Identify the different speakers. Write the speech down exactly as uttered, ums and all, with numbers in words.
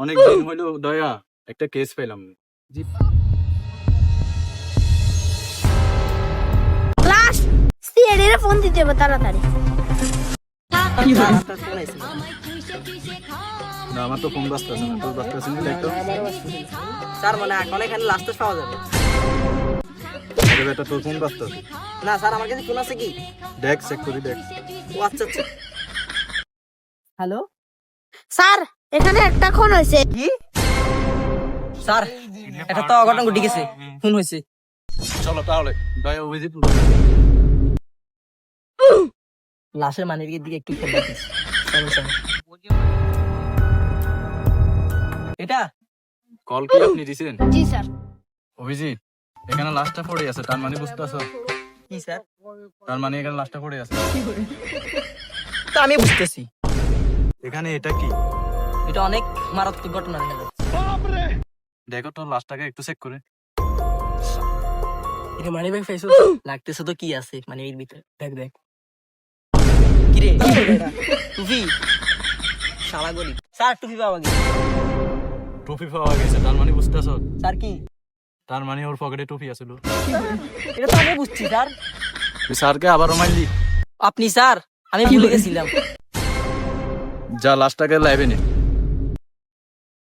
Speaker 1: অনেক দিন হইলো দয়া একটা কেস পেলাম। জি
Speaker 2: ক্লাস সিএডির ফোন দিতে হবে তাড়াতাড়ি।
Speaker 1: না আমার তো ফোন ব্যস্ত আছে না, তোর ব্যস্ত আছে নাকি একটু?
Speaker 3: স্যার মানে এখন এখানে লাস্টে পাওয়া যাবে
Speaker 1: আরে বেটা তোর ফোন ব্যস্ত আছে,
Speaker 3: না স্যার আমার কাছে ফোন আছে কি
Speaker 1: দেখ চেক করি দেখ।
Speaker 3: ও আচ্ছা আচ্ছা হ্যালো
Speaker 2: স্যার এখানে একটা খুন হয়েছে।
Speaker 3: কি স্যার এটা তো অঘটন ঘটে গেছে ফোন হয়েছে
Speaker 1: চলো তাহলে দয়া অভিজিৎ
Speaker 3: লাশের মানের দিকে একটু খেয়াল রাখিস সমস্যা নেই। এটা
Speaker 1: কল কি আপনি দিছেন?
Speaker 2: জি স্যার।
Speaker 1: অভিজিৎ এখানে লাশটা পড়ে আছে, তার মানে বুঝতেছো?
Speaker 3: কি স্যার
Speaker 1: তার মানে এখানে লাশটা পড়ে আছে।
Speaker 3: তা আমি বুঝতেছি
Speaker 1: এখানে এটা কি?
Speaker 3: এটা অনেক মারাত্মক ঘটনা দেখা যাচ্ছে
Speaker 1: দেখো তোর লাশটাকে একটু চেক করে।
Speaker 3: এটা মানি ব্যাগ ফেসো লাগতেছে তো কি আছে মানে এর ভিতরে দেখ দেখ কি রে টুপি শালা গরিব স্যার টুপি পাওয়া গেছে
Speaker 1: টুপি পাওয়া গেছে, তার মানে বুঝতেছো?
Speaker 3: স্যার কি
Speaker 1: তার মানে ওর পকেটে টুপি আছিল।
Speaker 3: এটা তো আমি বুঝছি স্যার
Speaker 1: তুই স্যারকে আবারও মারলি।
Speaker 3: আপনি স্যার আমি ভুলে গেছিলাম
Speaker 1: যা লাশটাকে লাইবে নে।